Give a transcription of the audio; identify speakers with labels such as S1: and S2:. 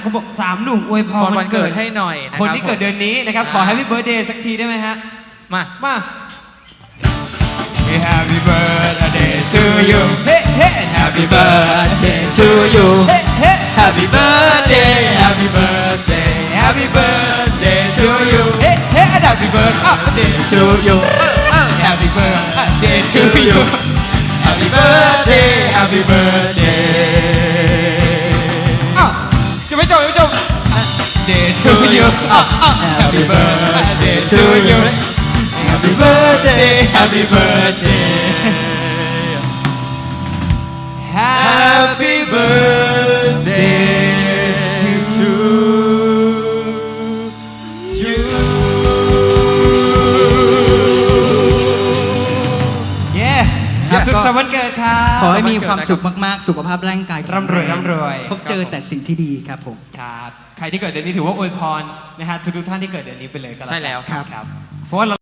S1: เขาบอก3 หนุ่มอวยพรวันเกิด
S2: ให้หน่อยนะ
S1: คนที่เกิดเดือนนี้นะครับขอ Happy Birthday สักทีได้ไหมฮะมา
S3: Happy birthday to you
S1: เฮ้เฮ้
S3: Happy birthday to you
S1: เฮ้เฮ้
S3: Happy birthday Happy birthday Happy birthday to you
S1: เฮ้เฮ้
S3: Happy birthday to you Happy birthday to you Happy birthday Happy birthday
S1: จะไม่จบ
S3: Day to you Happy birthday to you Happy birthday Happy birthday Happy birthday to you
S1: เย้สุขสันต์วันเกิดครับ
S4: ขอให้มีความสุขมากๆ สุขภาพร่างกาย
S1: ร่ำรวยร่ำรวย
S4: พบเจอแต่สิ่งที่ดีครับผม
S1: ครับใครที่เกิดเดือนนี้ถือว่าอวยพรนะฮะทุกท่านที่เกิดเดือนนี้ไปเลยก็แล้วกัน
S2: ใช่แล้วครับ
S1: ครับเพราะว่าเรา